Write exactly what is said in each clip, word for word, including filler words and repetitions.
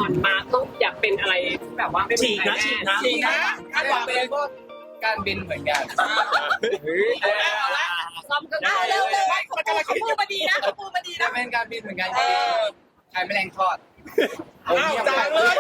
อนมาต้องอยากเป็นอะไรแบบว่าไม่ฉีกนะฉีกนะฉีกนะถ้าอยากเป็นก็การบินเหมือนกันซ้ำกันเอาเร็วเลยเขาเขาพูดมาดีนะเขาพูดมาดีจะนะเป็นการบินเหมือนกันใครแมลงทอดอ้าวจางเลย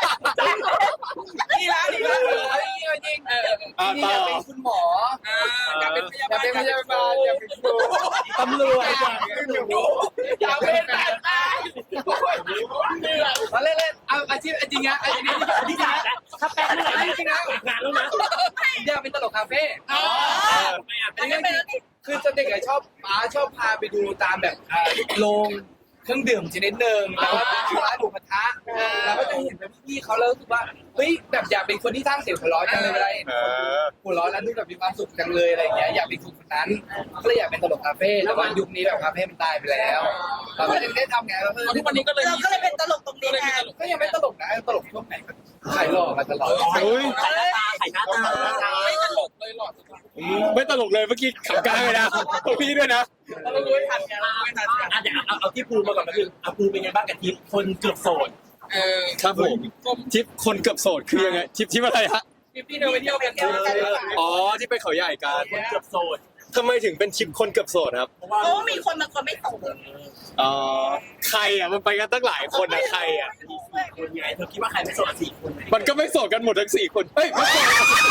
นี่ละนี่ละจริงเออนี่อยากเป็นคุณหมออยากเป็นอยากเป็นพยาบาลอยากเป็นครูตำรวจอยากเป็นทหารมาเล่นๆเอาอาชีพจริงนะอาชีพนี้ที่จะถ้าแปลงอะไรจริงนะงานแล้วนะอยากเป็นตลกคาเฟ่ไม่อ่ะอันนี้คือจะเด็กชอบป้าชอบพาไปดูตามแบบโรงเครื่องดื่มชนิดหนึ่งแล้วก็ร้านหมูกระทะแล้วก็จะเห็นแบบพี่เขาแล้วรู้สึกว่าเฮ้ยแบบอยากเป็นคนที่สร้างเสียงหัวเราะจังเลยอะไรหัวเราะแล้วดูแบบมีความสุขจังเลยอะไรอย่างเงี้ยอยากเป็นคนนั้นก็เลยอยากเป็นตลกคาเฟ่แต่ว่ายุคนี้แบบคาเฟ่มันตายไปแล้วเราก็ยังได้ทำไงเราทุกวันนี้ก็เลยเราก็เลยเป็นตลกตรงนี้แทนก็ยังไม่ตลกนะตลกช่วงไหนขายหล่อมาตลอดอุ้ยไข่หน้าตาไข่หน้าตาไม่ตลกเลยหลอดไม่ตลกเลยเมื่อกี้ขำกลางเลยนะตรงพี่ด้วยนะเรารู้ไม่ทันกันไม่ทันกันอ่ะเดี๋ยวเอาเอาที่ภูมาก่อนก็คือเอาภูเป็นไงบ้างกับทีมคนเกือบโสดเออครับผมทริปคนเกือบโสดคือยังไงทริปทริปอะไรฮะพี่พี่เดินไปเที่ยวกันอ๋อที่ไปเขาใหญ่กันคนเกือบโสดทำไมถึงเป็นทริปคนเกือบโสดครับเพราะว่าโอ้มีคนบางคนไม่ตกอ๋อใครอ่ะมันไปกันตั้งหลายคนอ่ะใครอ่ะคนไงเธอคิดว่าใครไม่โสดสี่คนไหมมันก็ไม่โสดกันหมดทั้งสี่คนเฮ้ยไม่โสด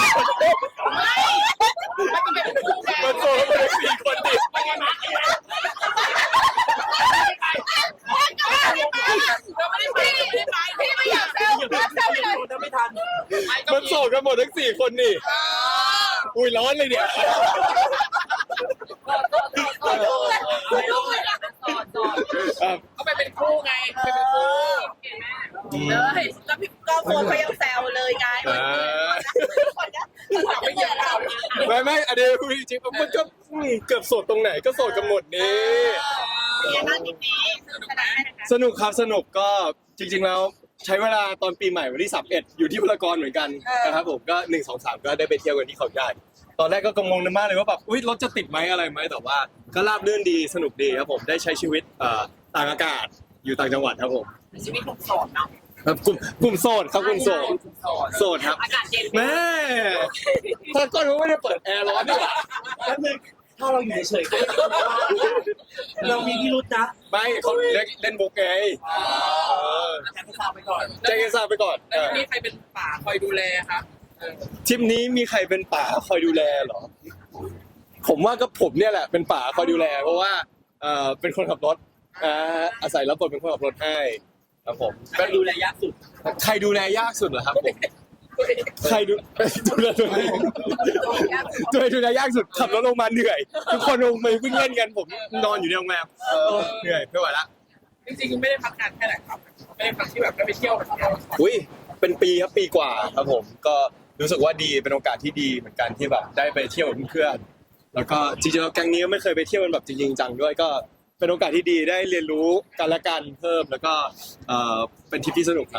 มันจะเป็นคู่กันมันโสดกันหมดทั้งสี่คนดิไม่ไงมาไงมาเราไม่ได้ไปไม่ได้ไปพี่ไม่อยากเซลล์เซลล์ไปเลยเธอไม่ทันมันโสดกันหมดทั้งสี่คนนี่อุ้ยร้อนเลยเนี่ยคุณดูเลยคุณดูเลยนะอ่ะเขาไปเป็นคู่ไงไปเป็นคู่เลยแล้วพี่ก็โฟนเขายังแซวเลยไงคนนี้คนนี้เบื่อเราไม่ไม่อันนี้พูดจริงๆมันก็อืมเกือบโสดตรงไหนก็โสดกันหมดนี่เป็นยังไงบ้างทีนี้ขนาดไหนสนุกครับสนุกก็จริง ๆ แล้วใช้เวลาตอนปีใหม่วันที่สามสิบเอ็ดอยู่ที่พารากอนเหมือนกันนะครับผมก็หนึ่งสองสามก็ได้ไปเที่ยวกันที่เขาใหญ่ตอนแรกก็กังวลมากเลยว่าแบบอุ้ยรถจะติดไหมอะไรไหมแต่ว่าก็ราบรื่นดีสนุกดีครับผมได้ใช้ชีวิตเอ่อต่างอากาศอยู่ต่างจังหวัดครับผมชีวิตหนุ่มโสดเนาะครับกลุ่มกลุ่มโสดครับกลุ่มโสดโสดครับอากาศเย็นแม่ถ้าก็รู้ไม่ได้เปิดแอร์ร้อนดีกว่าแล้วนึงถ้าเราอยู่เฉยๆก็เรามีพิรุธนะไม่เขาเล่นเล่นบุกไงเอออาจารย์ก็ทราบไปก่อนแจ้งให้ทราบไปก่อนแล้วนี่ใครเป็นป่าคอยดูแลครับทริปนี้มีใครเป็นป่าคอยดูแลเหรอ ผมว่าก็ผมเนี่ยแหละเป็นป่าคอยดูแล เพราะว่าเอ่อเป็นคนขับรถอ่าอาศัยรับบทเป็นคนขับรถให้ครับผมก็ดูแลยากสุดใครดูแลยากสุดเหรอครับผมใครดูดูแลตัวเองตัวเองดูแลยากสุดขับรถลงมาเหนื่อยทุกคนลงมาวิ่งเล่นกันผมนอนอยู่ในโรงแรมเหนื่อยไม่ไหวละจริงๆไม่ได้พักงานแค่ไหนครับไม่ได้พักที่แบบได้ไปเที่ยวแบบเที่ยวอุ้ยเป็นปีครับปีกว่าครับผมก็รู้สึกว่าดีเป็นโอกาสที่ดีเหมือนกันที่แบบได้ไปเที่ยวกับเพื่อนๆแล้วก็จริงๆแล้วแก๊งนี้ก็ไม่เคยไปเที่ยวกันแบบจริงๆจังด้วยก็เป็นโอกาสที่ดีได้เรียนรู้กันและกันเพิ่มแล้วก็เอ่อเป็นทริปที่สนุกครับ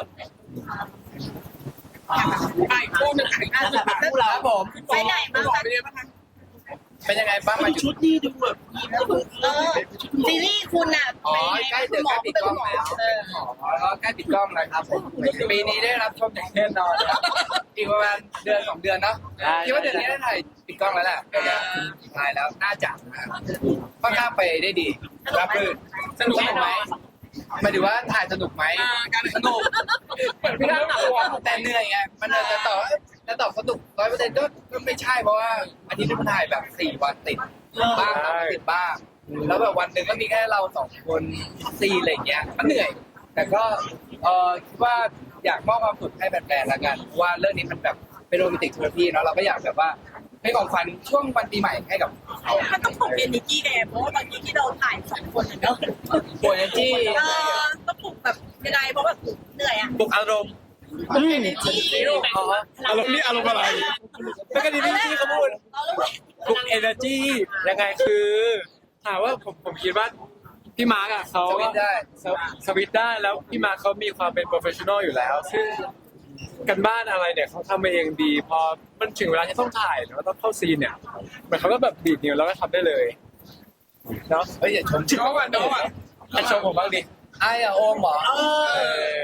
ไปคู่หนึ่งอีกคู่หนึ่งพวกเราครับผมไปไหนบ้างบอกคะไปเรียนบ้างคะเป็นยังไงบ้างมาอยู่ชุดนี้ดูแบบเออซีรีส์คุณอ่ะอ๋อใกล้จะใกล้ปิดกล้องแล้วเป็นหมอแล้วใกล้ปิดกล้องแล้วครับผมปีนี้ได้รับชมอย่างแน่นอนครับอีกประมาณเดือนสองเดือนเนาะคิดว่าเดือนนี้ได้ถ่ายปิดกล้องแล้วแหละสุดท้ายแล้วน่าจะค่อนข้างไปได้ดีรับรื่นสนุกไหมหมายถึงว่าถ่ายสนุกไหมการสนุกเปิดไม่ได้หนักตัวแต่เหนื่อยไงมันจะต่อจะตอบสนุกร้อยเปอร์เซ็นต์ก็ก็ไม่ใช่เพราะว่าอาทิตย์นี้มันถ่ายแบบสี่วันติดบ้างสามวันติดบ้างแล้วแบบวันหนึ่งก็มีแค่เราสองคนซีอะไรอย่างเงี้ยก็เหนื่อย แต่ก็เออคิดว่าอยากมอบความสุขให้แฟนๆละกันว่าเรื่องนี้มันแบบเป็นโรแมนติกเทอร์พีเนาะเราก็อยากแบบว่าให้ของขวัญช่วงวันปีใหม่ให้กับเขามันต้องปลุกเอเนจีแดงเพราะว่าตอนนี้ที่เราถ่ายสองคนเนาะโอ้ยจี้เออต้องปลุกแบบยังไงเพราะว่าเหนื่อยอ่ะปลุกอารมณ์เอเนจีอ๋ออารมณ์นี่อารมณ์อะไรไม่ก็ดีที่พี่เขาพูดปลุกเอเนอร์จียังไงคือถามว่าผมผมคิดว่าพี่มาร์กอ่ะเขาสวิตช์ได้สวสวิตช์ได้แล้วพี่มาร์กเขามีความเป็นโปรเฟชชั่นอลอยู่แล้ว ซึ่งกันบ้านอะไรเนี่ยเขาทำมาเองดี พอมันถึงเวลาที่ต้องถ่ายแล้วต้องเข้าซีนเนี่ยมันเขาก็แบบดีดนิ้วแล้วก็ทำได้เลยเนาะเฮ้ยอย่าชมน้องอ่ะน้องอ่ะให้ชมผมบ้างดิไอ้อะโอมเหรอเออโอ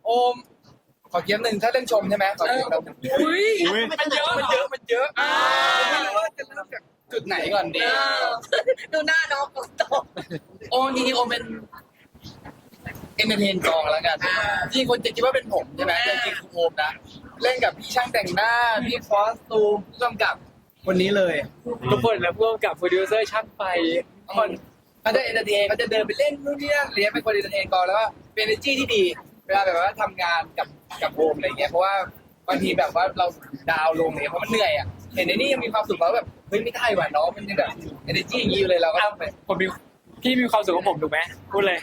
โอมขอเกียมหนึ่งถ้าเรื่องชมใช่ไหมขอเกียมเราอุ้ยมันเยอะมันเยอะมันเยอะไม่รู้ว่าจะเริ่มจากจุดไหนก่อนดีดูหน้าน้องฝนตกโอมจริงๆโอมเป็นเอนเตอร์เทนกองแล้วกันจริงคนจะคิดว่าเป็นผมใช่ไหมแต่จริงๆคือโอมนะเล่นกับพี่ช่างแต่งหน้าพี่คอสตูมผู้กำกับคนนี้เลยทุกคนแล้วร่วมกับโปรดิวเซอร์ช่างไฟคนเขาจะเอนเตอร์เทนเขาจะเดินไปเล่นนู่นนี่นั่นเรียนเป็นคนเอนเตอร์เทนกองแล้วก็เป็น energy ที่ดีเวลาแบบว่าทำงานกับกับโอมอะไรเงี้ยเพราะว่าบางทีแบบว่าเราดาวลงเนี่ยเพราะมันเหนื่อยอ่ะเห็นในนี่ยังมีความสุขแล้วแบบเฮ้ยไม่ได้ว่ะน้องมันยังแบบ energy อย่างนี้อยู่เลยเราก็ต้องไปผมมีพี่มีความสุขของผมถูกไหมพูดเลย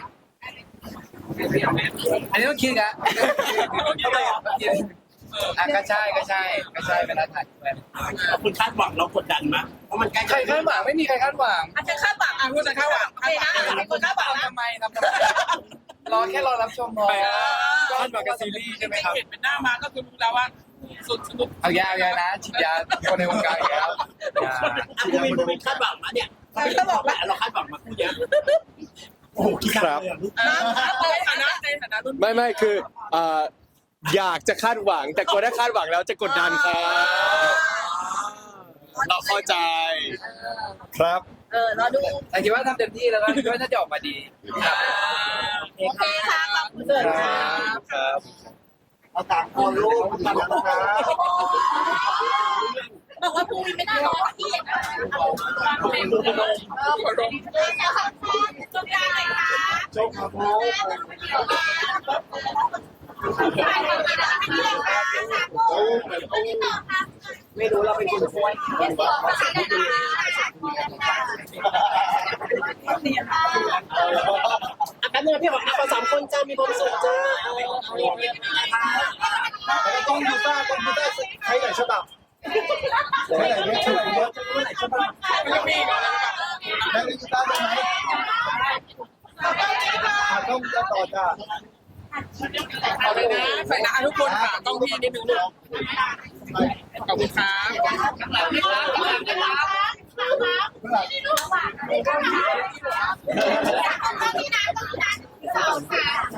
อันนี้ต้องคิดนะอ่ะก็ใช่ก็ใช่ก็ใช่เป็นอาถรรพ์คุณคาดหวังเรากดดันมั้ยเพราะมันใกล้ใครคาดหวังไม่มีใครคาดหวังอาจจะคาดหวังอ่ะพูดจะคาดหวังโอเคนะเป็นคนคาดหวังนะทำไมทำทำไมรอแค่รอรับชมพอคาดหวังกับซีรีส์ใช่ไหมครับเห็นเป็นหน้ามาก็คือรู้แล้วว่าสุดสนุกเอายาเอายานะฉีดยาคนในวงการอีกแล้วอ่ะคุณมีคุณมีคาดหวังมาเนี่ยเราคาดหวังมาคู่เยอะโอ้โหคิดหนักเลยอ่ะลูกในฐานะในฐานะรุ่นไม่ไม่คือเอ่ออยากจะคาดหวัง แต่กลัวถ้าคาดหวังแล้วจะกดดันครับเราเข้าใจครับเออรอดูแต่คิดว่าทำเต็มที่แล้วก็คิดว่าน่าจะออกมาดีครับโอเคค่ะขอบคุณเสิร์ฟค่ะครับเอาต่างคนลูกกันนะครับบอกว่าพรุ่งนี้ไม่ได้รอที่อย่างนั้นเออขอร้องจบยังไงคะจบครับผมไม่รู้เราไปกินกล้วยอาการเนี่ยพี่บอกเราสามคนจะมีความสุขจ้าต้องดูต้าต้องดูต้าใครไหนฉบับใครไหนเนี่ยใครไหนเนี่ยใครไหนฉบับได้ดูต้าได้ไหมต้องจะต่อจ้าเอาเลยนะใส่หน้าทุกคนค่ะต้องพี่นิดนึงลูกขอบคุณครับค่ะ